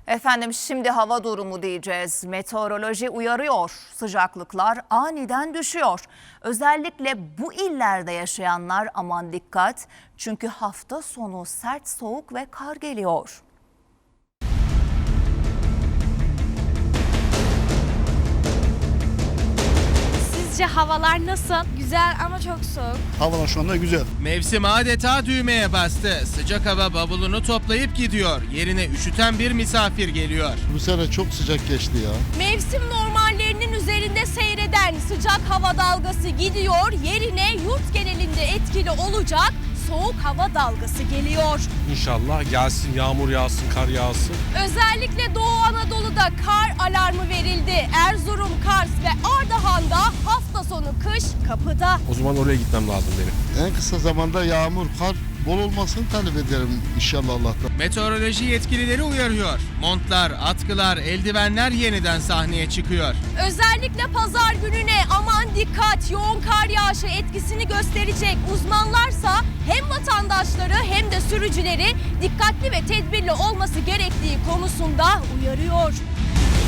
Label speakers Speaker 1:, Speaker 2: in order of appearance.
Speaker 1: Efendim şimdi hava durumu diyeceğiz. Meteoroloji uyarıyor. Sıcaklıklar aniden düşüyor. Özellikle bu illerde yaşayanlar aman dikkat. Çünkü hafta sonu sert soğuk ve kar geliyor.
Speaker 2: Sizce havalar nasıl? Güzel ama çok soğuk.
Speaker 3: Havalar şu anda güzel.
Speaker 4: Mevsim adeta düğmeye bastı. Sıcak hava bavulunu toplayıp gidiyor. Yerine üşüten bir misafir geliyor.
Speaker 3: Bu sene çok sıcak geçti ya.
Speaker 2: Mevsim normallerinin üzerinde seyreden sıcak hava dalgası gidiyor. Yerine yurt genelinde etkili olacak soğuk hava dalgası geliyor.
Speaker 5: İnşallah gelsin, yağmur yağsın, kar yağsın.
Speaker 2: Özellikle Doğu Anadolu'da kar alarmı verildi. Erzurum, Kars ve Ardahan'da hafta sonu kış kapıda.
Speaker 5: O zaman oraya gitmem lazım benim.
Speaker 3: En kısa zamanda yağmur, kar bol olmasını talep ederim inşallah Allah'tan.
Speaker 4: Meteoroloji yetkilileri uyarıyor. Montlar, atkılar, eldivenler yeniden sahneye çıkıyor.
Speaker 2: Özellikle pazar gününe aman dikkat, yoğun kar yağışı etkisini gösterecek. Uzmanlarsa hem vatandaşları hem de sürücüleri dikkatli ve tedbirli olması gerektiği konusunda uyarıyor.